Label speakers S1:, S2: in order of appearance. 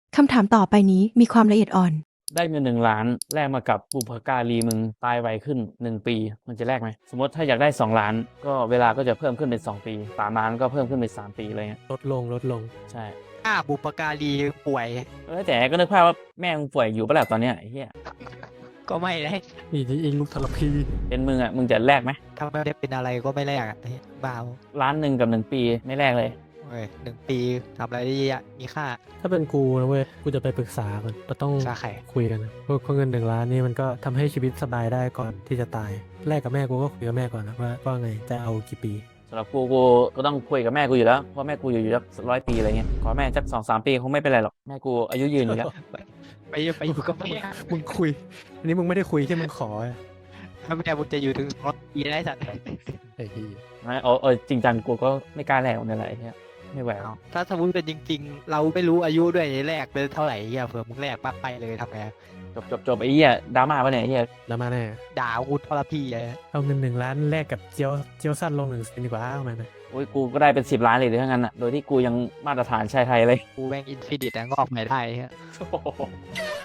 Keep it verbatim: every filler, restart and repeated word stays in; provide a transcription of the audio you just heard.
S1: คำถามต่อไปนี้มีความละเอียดอ่อน
S2: ได้เงินหนึ่งล้านแลกมากับบุพการีมึงตายไวขึ้นหนึ่งปีมันจะแลกไหมสมมติถ้าอยากได้สองล้านก็เวลาก็จะเพิ่มขึ้นเป็นสองปีสามล้านก็เพิ่มขึ้นเป็นสามปีอะไรเงี้ย
S3: ลดลงลดลง
S2: ใช่
S4: ถ้าบุปการีป่วย
S2: เออแต่ก็นึกภาพว่าแม่มึงป่วยอยู่ปะล่ะตอนเนี้ยไอ้เหี้ย
S4: ก็ไม่ได้
S3: นี่ที่อิงลูกทรพี
S2: เป็นมึงอ่ะมึงจะแลกไหม
S4: ถ้าไม่ได้เป็นอะไรก็ไม่แลกอ่ะเฮ้ยบ้า
S2: ล้านหนึ่งกับหนึ่งปีไม่แลกเลย
S4: เว้ยหนึ่งปีทำอะไรได้เยอะมีค่า
S3: ถ้าเป็นกูนะเว้ยกูจะไปปรึกษาก่อนเราต้อง
S4: สาไข่
S3: คุยกันนะเพราะเพราะเงินหนึ่งล้านนี่มันก็ทำให้ชีวิตสบายได้ก่อนที่จะตายแรกกับแม่กูก็คุยกับแม่ก่อนนะว่าว่าไงจะเอากี่ปี
S2: สำหรับกูกูก็ต้องคุยกับแม่กูอยู่แล้วเพราะแม่กูอยู่อยู่สักร้อยปีอะไรเงี้ยขอแม่สักสองสามปีคงไม่เป็นไรหรอกแม่กูอายุยืนอยู่แล้ว
S4: ไปไปอยู่กับแม่
S3: มึงคุย อันนี้มึงไม่ได้คุยที่มึงขอ
S4: ถ้าแม่บุญจะอยู่ถึงร้อยปีได้สัตว์
S3: ไอ้ที่
S2: ไม่เออเออจริงจังกูก็ไม่กล้าแลกนั่นแหละไอ้เหี้ยไม่ไหวหรอก
S4: ถ้าสมมติเป็นจริง ๆ เราไม่รู้อายุด้วยแลกเป็นเท่าไหร่เฮียเผื่อมึงแลกปั๊บไปเลยทำไง
S2: จบจบจบไอ้เหี้ยดราม่าปะเนี่ยไอ้เหี้ย
S3: แล้วมาแน่
S4: ด่ากูทรพีเลย
S3: เอาเงินหนึ่งล้านแลกกับเจียวเจียวสั้นลงหนึ่งเซนดีกว่าเอาไหมนะ
S2: โอ้ยกูก็ได้เป็นสิบล้านเลยถ้างั้นอ่ะโดยที่กูยังมาตรฐานชายไทยเลย
S4: กูแม่งอินฟินิตงอกใหม่ได้เฮีย